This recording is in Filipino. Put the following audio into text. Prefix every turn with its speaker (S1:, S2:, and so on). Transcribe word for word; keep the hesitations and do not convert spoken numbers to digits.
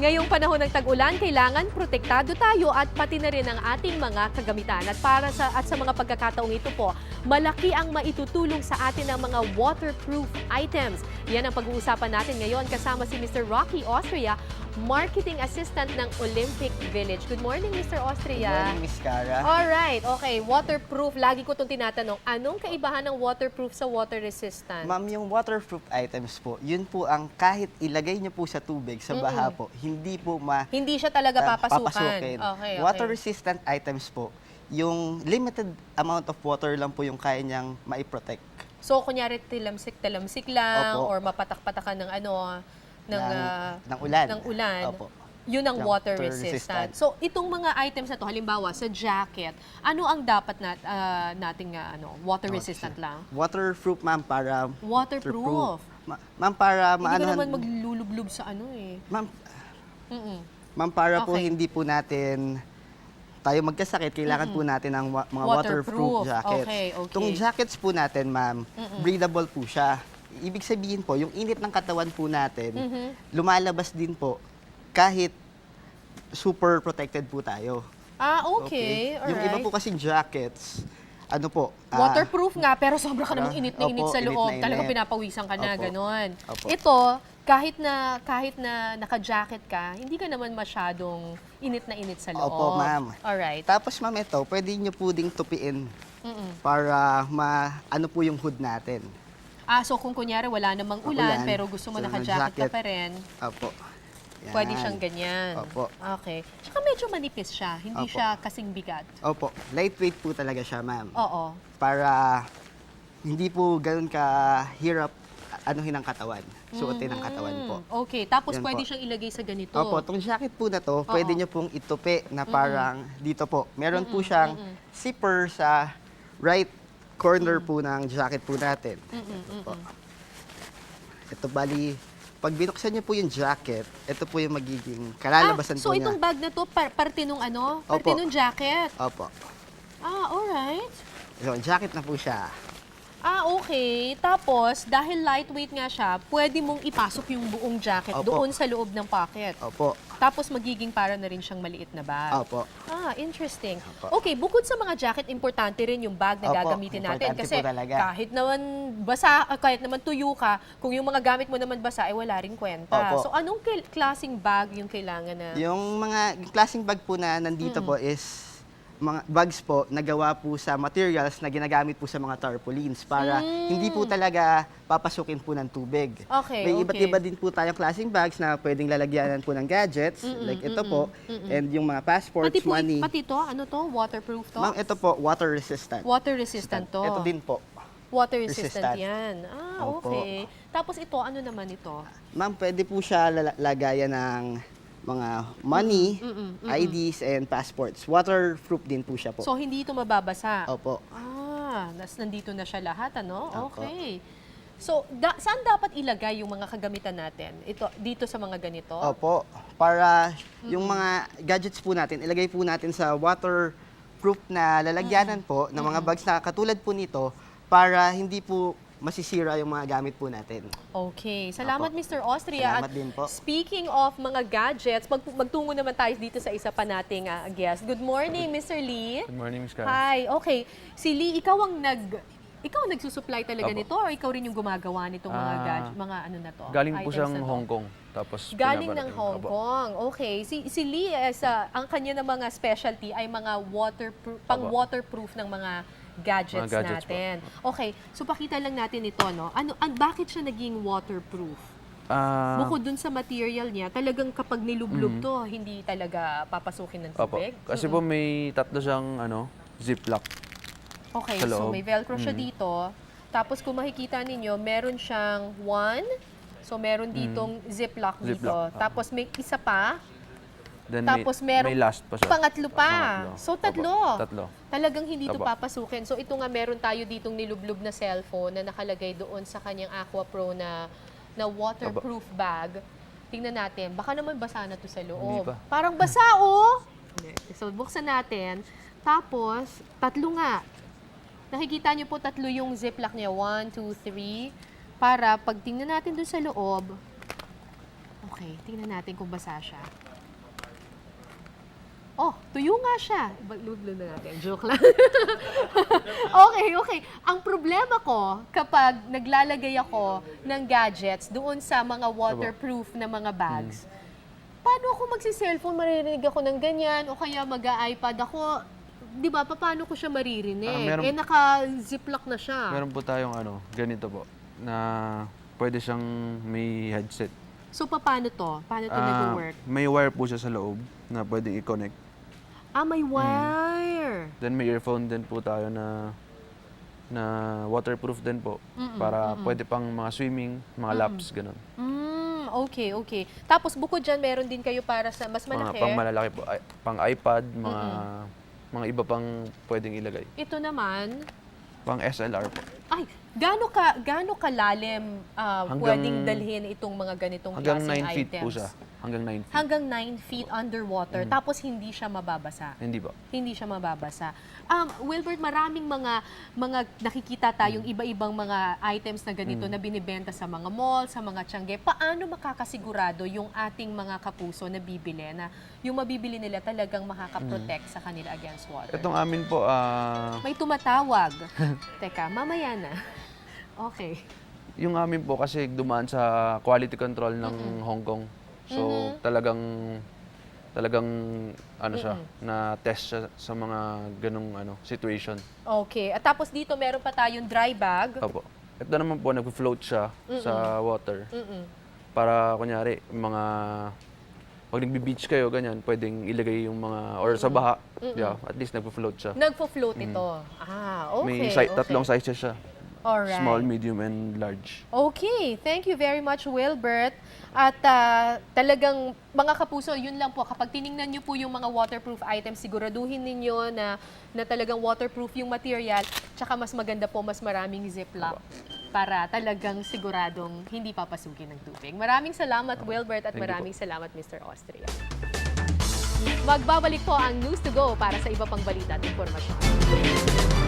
S1: Ngayong panahon ng tag-ulan, kailangan protektado tayo at pati na rin ang ating mga kagamitan. At para sa at sa mga pagkakataong ito po, malaki ang maitutulong sa atin ng mga waterproof items. Yan ang pag-uusapan natin ngayon kasama si Mister Rocky Austria, Marketing Assistant ng Olympic Village. Good morning, Mister Austria.
S2: Good morning, Miss Cara.
S1: Alright, okay. Waterproof. Lagi ko itong tinatanong. Anong kaibahan ng waterproof sa water resistant?
S2: Ma'am, yung waterproof items po, yun po ang kahit ilagay niyo po sa tubig, sa baha po, hindi po ma...
S1: Hindi siya talaga
S2: ah,
S1: papasukan.
S2: papasukin.
S1: Okay, okay.
S2: Water-resistant items po, yung limited amount of water lang po yung kaya niyang maiprotect.
S1: So, kunyari, tilamsik-tilamsik lang
S2: Opo.
S1: or mapatak-patakan ng ano, ng,
S2: ng,
S1: ah,
S2: ng ulan.
S1: ng ulan.
S2: Opo.
S1: Yun ang
S2: Yung
S1: water
S2: water
S1: resistant.
S2: resistant.
S1: So, itong mga items na to, halimbawa sa jacket, ano ang dapat nat, ah, nating ah, ano, water resistant lang?
S2: Waterproof, ma'am, para...
S1: Waterproof.
S2: Ma- ma'am, para
S1: Hindi ka
S2: maanohan...
S1: naman maglulublob sa ano eh.
S2: Ma'am,
S1: Mm-mm.
S2: ma'am, para po
S1: Okay.
S2: hindi po natin tayo magkasakit, kailangan po natin ng wa- mga
S1: Waterproof.
S2: waterproof jackets.
S1: Okay, okay.
S2: Itong jackets po natin, ma'am, breathable po siya. Ibig sabihin po, yung init ng katawan po natin,
S1: Mm-hmm.
S2: lumalabas din po kahit super protected po tayo.
S1: Ah, okay.
S2: Yung iba
S1: Alright.
S2: po kasing jackets, ano po, ah,
S1: Waterproof nga, pero sobra ka namang init na init
S2: Opo,
S1: sa
S2: init
S1: loob.
S2: na init.
S1: Talagang pinapawisan ka na,
S2: Opo.
S1: ganon.
S2: Opo.
S1: Ito, kahit na kahit na naka-jacket ka, hindi ka naman masyadong init na init sa loob.
S2: Opo, ma'am.
S1: Alright.
S2: Tapos, ma'am, ito, pwede nyo po ding tupiin
S1: Mm-mm.
S2: para ma, ano po yung hood natin.
S1: Ah, so kung kunyari wala namang ulan,
S2: Ulan,
S1: pero gusto mo
S2: so
S1: naka-jacket ka
S2: jacket.
S1: pa rin,
S2: Opo. Yan.
S1: pwede siyang ganyan.
S2: Opo.
S1: Okay. Tsaka medyo manipis siya, hindi
S2: Opo.
S1: siya kasing bigat.
S2: Opo. Lightweight po talaga siya, ma'am.
S1: Oo.
S2: Para hindi po ganun ka-hirap anuhin ang katawan. Suotin ang katawan po.
S1: Mm, okay. Tapos
S2: Yan
S1: pwede
S2: po.
S1: siyang ilagay sa ganito.
S2: Opo, itong jacket po na to, pwede nyo pong itupi na parang dito po. Meron po siyang zipper sa right corner po ng jacket po natin. Ito po. Ito bali, pag binuksan niyo po yung jacket, ito po yung magiging kalalabasan
S1: ah, so
S2: po niya.
S1: itong bag na to, par parte nung ano? Parte
S2: Opo.
S1: nung jacket?
S2: Opo.
S1: Ah, alright.
S2: So, jacket na po siya.
S1: Ah, okay. Tapos, dahil lightweight nga siya, pwede mong ipasok yung buong jacket
S2: Opo.
S1: doon sa loob ng pocket.
S2: Opo.
S1: Tapos, magiging para na rin siyang maliit na bag.
S2: Opo.
S1: Ah, interesting.
S2: Opo.
S1: Okay, bukod sa mga jacket, importante rin yung bag na
S2: Opo,
S1: gagamitin natin.
S2: importante
S1: Kasi
S2: po talaga.
S1: kahit naman basa, ah, kahit naman tuyo ka, kung yung mga gamit mo naman basa, ay wala rin kwenta.
S2: Opo.
S1: So, anong kil- klaseng bag yung kailangan na?
S2: Yung mga yung klaseng bag po na nandito po is mga bags po nagawa po sa materials na ginagamit po sa mga tarpaulins para hindi po talaga papasukin po ng tubig.
S1: Okay,
S2: May iba't
S1: okay.
S2: iba din po tayong klaseng bags na pwedeng lalagyanan po ng gadgets, like ito po, and yung mga passports,
S1: Pati po,
S2: money.
S1: pati to, ano to? Waterproof to?
S2: Ma'am, ito po, water resistant.
S1: Water resistant to.
S2: Ito din po.
S1: Water resistant,
S2: Resistant.
S1: yan. Ah,
S2: Opo.
S1: okay. Tapos ito, ano naman ito?
S2: Ma'am, pwede po siya lala- lagayan ng mga money, I Ds, and passports. Waterproof din po siya po.
S1: So, hindi ito mababasa?
S2: Opo.
S1: Ah, nas nandito na siya lahat, ano?
S2: Opo.
S1: Okay. So, da- saan dapat ilagay yung mga kagamitan natin? Ito, dito sa mga ganito?
S2: Opo. Para yung mga gadgets po natin, ilagay po natin sa waterproof na lalagyanan po ng mga bags na katulad po nito para hindi po masisira yung mga gamit po natin.
S1: Okay. Salamat,
S2: Opo.
S1: Mister Austria.
S2: Salamat
S1: At
S2: din po.
S1: speaking of mga gadgets, mag magtungo naman tayo dito sa isa pa nating ah, guest. Good morning, Mister Lee.
S3: Good morning, Miss Cara.
S1: Hi. Okay. Si Lee, ikaw ang nag... Ikaw ang nagsusupply talaga
S3: Opo.
S1: nito or ikaw rin yung gumagawa nitong mga
S3: Ah,
S1: gadget, mga ano na to?
S3: Galing po
S1: items
S3: siyang
S1: na to?
S3: Hong Kong. Tapos
S1: Galing ng
S3: pinaparating.
S1: Hong
S3: Opo.
S1: Kong. Okay. Si, si Lee, eh, sa, ang kanya na mga specialty ay mga waterproof, pang
S3: Opo.
S1: waterproof ng mga gadgets,
S3: Mga gadgets po.
S1: natin. Okay. So pakita lang natin ito, no? Ano, an, bakit siya naging waterproof?
S3: Ah,
S1: Bukod dun sa material niya, talagang kapag nilublob to, hindi talaga papasukin ng
S3: opo.
S1: tubig?
S3: Kasi po may tatlo siyang ano, ziplock.
S1: Okay,
S3: sa
S1: so
S3: loob.
S1: may velcro siya
S3: Mm.
S1: dito. Tapos kung makikita ninyo, meron siyang one. So meron ditong ziplock dito.
S3: Ziplock, ah.
S1: Tapos may isa pa.
S3: Then
S1: Tapos
S3: may,
S1: merong
S3: may last pa siya.
S1: pangatlo pa.
S3: Pangatlo.
S1: So
S3: Opo,
S1: tatlo.
S3: Tatlo.
S1: Talagang hindi ito
S3: Opo.
S1: papasukin. So ito nga meron tayo ditong nilublob na cellphone na nakalagay doon sa kanyang Aqua Pro na na waterproof bag. Tingnan natin. Baka naman basa na to sa loob.
S3: Hindi pa.
S1: Parang basa, oh! So buksan natin. Tapos, tatlo nga. Nakikita niyo po tatlo yung ziplock niya. One, two, three. Para pag tingnan natin doon sa loob, Okay, tingnan natin kung basa siya. Oh, tuyo nga siya. Baludlo na natin. Joke lang. Okay, okay. Ang problema ko kapag naglalagay ako ng gadgets doon sa mga waterproof na mga bags, paano ako magsi-cellphone, maririnig ako ng ganyan, o kaya mag-iPad ako, di ba, paano ko siya maririnig?
S3: Ah, meron-
S1: eh, naka-ziplock na siya.
S3: Meron po tayong ano, ganito po, na pwede siyang may headset.
S1: So, paano to? Paano to
S3: Ah,
S1: nag-work?
S3: may wire po siya sa loob na pwedeng i-connect.
S1: Ah, may wire.
S3: Then may earphone din po tayo na na waterproof din po para pwede pang mga swimming, mga laps, ganun.
S1: Mm, okay, okay. Tapos bukod dyan, meron din kayo para sa mas
S3: Mga
S1: malaki.
S3: pang malalaki po, ay- pang iPad, mga mga iba pang pwedeng ilagay.
S1: Ito naman,
S3: Pang S L R po.
S1: ay, gaano ka gaano kalalim ah,
S3: Hanggang-
S1: pwedeng dalhin itong mga ganitong
S3: Hanggang
S1: klaseng
S3: nine feet
S1: items?
S3: po siya. Hanggang nine feet.
S1: Hanggang nine feet underwater, tapos hindi siya mababasa.
S3: Hindi ba?
S1: Hindi siya mababasa. Um, Wilbert, maraming mga mga nakikita tayong iba-ibang mga items na ganito na binibenta sa mga mall, sa mga tiyangge. Paano makakasigurado yung ating mga kapuso na bibili na yung mabibili nila talagang makakaprotect sa kanila against water?
S3: Itong amin po, ah,
S1: May tumatawag. Teka, mamaya na. Okay.
S3: yung amin po kasi dumaan sa quality control ng Hong Kong. So talagang talagang ano siya, na test siya sa mga ganung ano situation.
S1: Okay. At tapos dito meron pa tayong dry bag.
S3: Opo. Ito naman po nagfo-float siya sa water.
S1: Mm-mm.
S3: Para kunyari mga pag nagbi-beach kayo ganyan, pwedeng ilagay yung mga or sa baha, yeah, at least nagfo-float siya.
S1: Nagfo-float ito. Ah, okay.
S3: May si-
S1: okay.
S3: tatlong sizes siya.
S1: Alright.
S3: Small, medium, and large.
S1: Okay, thank you very much, Wilbert. At ah, talagang, mga kapuso, yun lang po. Kapag tiningnan niyo po yung mga waterproof items, siguraduhin ninyo na, na talagang waterproof yung material. Tsaka mas maganda po, mas maraming ziplock para talagang siguradong hindi papasukin ng tubig. Maraming salamat, Wilbert, at
S3: Thank you
S1: maraming salamat, Mister Austria. Magbabalik po ang News to Go para sa iba pang balita at impormasyon.